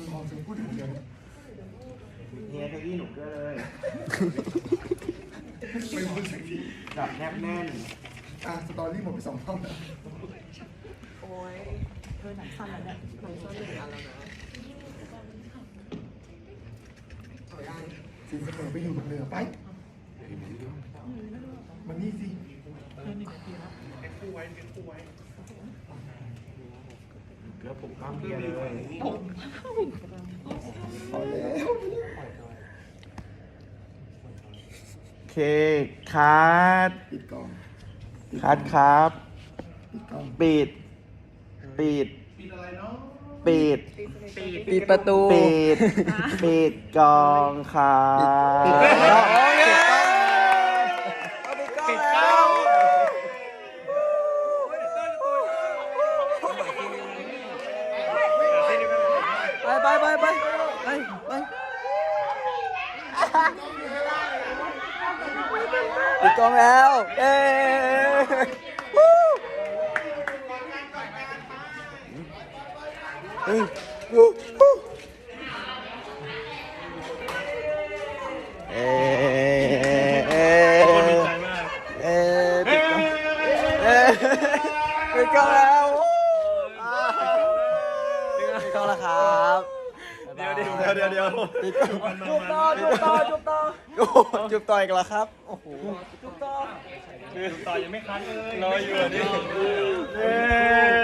ทองจะพูดถึงเดียวเฮียเก้าอี้หนูเกอร์เลยไม่พูดสักทีจับแนบแน่นสตอรี่หมดไป2 รอบแล้วโอ้ยหนังสั้นแล้วเนี่ยหนังสั้น1 อันแล้วนะเอาได้สินเสมอไปอยู่กับเรือไปมันนี่สิเกือบผมปั้มเฮียเลยพอแล้วเคคัดปิดกล้องคัดครับปิดกล้องปิด ปิด ปิดปิดประตูปิด ปิดกองครับปิดกล้องปิดกล้องไปปิดกล้องแล้วเอ้เฮ้ยเอ้ปิดกล้องแล้วปิดกล้องแล้วครับเดี๋ยวปิดกล้องจุบต่อจุบต่ออีกแล้วครับโอ้โหจุบต่อต่อยังไม่คัดเลยรออยู่นี่